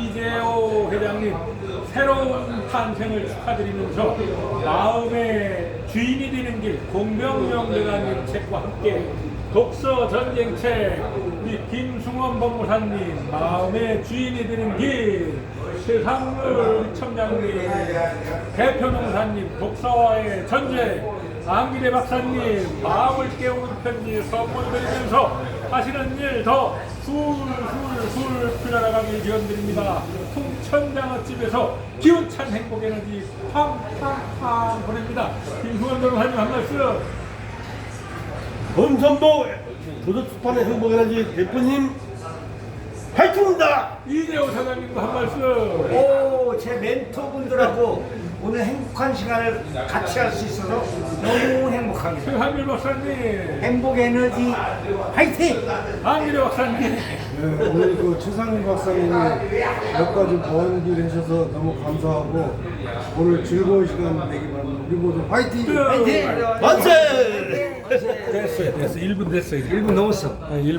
이재호 회장님 새로운 탄생을 축하드리면서 마음의 주인이 되는 길 공명영대관님 책과 함께 독서 전쟁책 우리 김승원 법무사님 마음의 주인이 되는 길 최상물 첨장님 대표농사님 독서와의 전쟁 안기대 박사님 마음을 깨우는 편지 선물 드리면서 하시는 일 더 술술술 풀려나가길 기원드립니다. 풍천장어집에서 기운찬 행복 에너지 팡팡팡 보냅니다. 김승원 변호사님 한 말씀. 범선보 도서출판의 행복에너지 대표님 화이팅입니다. 이재호 사장님도 한 말씀. 오, 제 멘토분들하고 오늘 행복한 시간을 같이 할 수 있어서 너무 행복합니다. 최한길 박사님, 행복 에너지 화이팅! 안기대 박사님. 네, 오늘 그 최상일 박사님이 몇 가지 번기를 해주셔서 너무 감사하고 오늘 즐거운 시간 되기 바랍니다. 우리 모두 화이팅! 화이팅! 만세! 됐어요. 1분 됐어요. 1분 넘었어. 1분.